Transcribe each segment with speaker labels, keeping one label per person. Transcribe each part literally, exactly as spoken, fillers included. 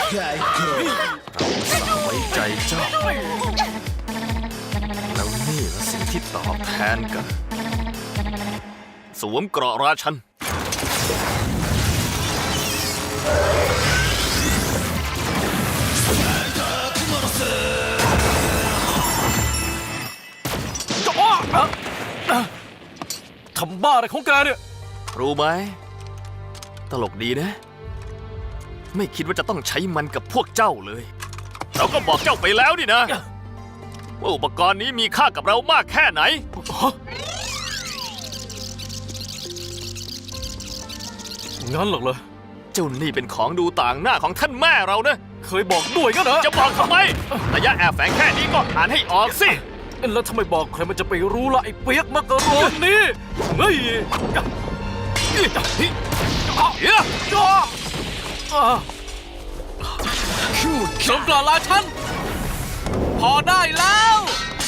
Speaker 1: เราไว้ใจเจ้าแล้วนี่ละสิ่งที่ตอบแทนกันสวมเกราะราชัน
Speaker 2: ทำบ้าอะไรของแกเนี่ย
Speaker 1: รู้ไหมตลกดีนะไม่คิดว่าจะต้องใช้มันกับพวกเจ้าเลยเราก็บอกเจ้าไปแล้วนี่นะว่าอุปกรณ์นี้มีค่ากับเรามากแค่ไหน
Speaker 2: งั้นหรอกเหรอ
Speaker 1: เจ้านี่เป็นของดูต่างหน้าของท่านแม่เรานะ
Speaker 2: เคยบอกด้วยกันเหรอ
Speaker 1: จะบอกทำไมระยะแอบแฝงแค่นี้ก็อ่านให้ออกสิ
Speaker 2: แล้วทำไมบอกใครมันจะไปรู้ล่ะไอ้เปียกมักกะโรนนี่เฮ้ยสมกล่าวลาฉันพอได้แล้ว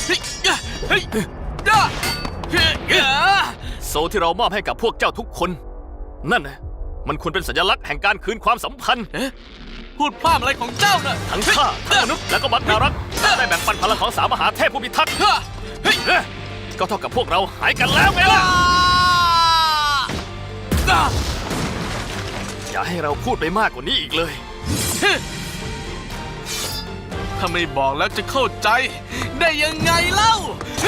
Speaker 1: โซ่ที่เรามอบให้กับพวกเจ้าทุกคนนั่นนะมันควรเป็นสัญลักษณ์แห่งการคืนความสัมพันธ์
Speaker 2: พูดพลาดอะไรของเจ้าน่ะ
Speaker 1: ทั้งข้าทั้งมนุษย์และก็มัดนารักได้แบ่งปันพลังของสามมหาเทพผู้พิทักษ์ก็เท่ากับพวกเราหายกันแล้วไงล่ะอย่าให้เราพูดไปมากกว่านี้อีกเลย
Speaker 2: ถ้าไม่บอกแล้วจะเข้าใจได้ยังไงเล่า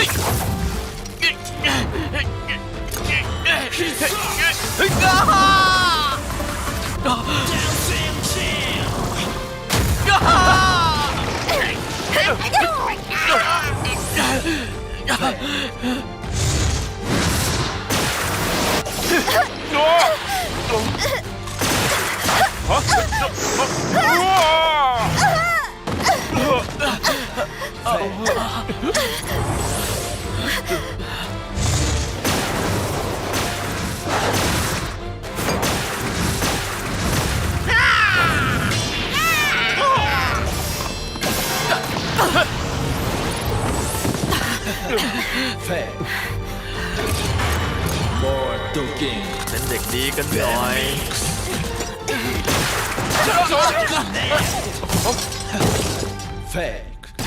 Speaker 1: เป็นเด็กดีกันหน่อย
Speaker 3: เฟก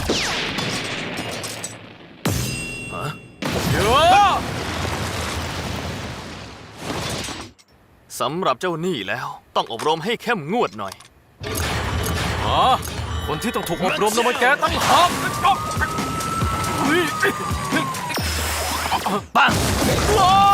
Speaker 1: สำหรับเจ้านี่แล้วต้องอบรมให้เข้มงวดหน่อย
Speaker 2: อ๋อคนที่ต้องถูกอบรมนะมันแกตั้งหาก
Speaker 1: ปัง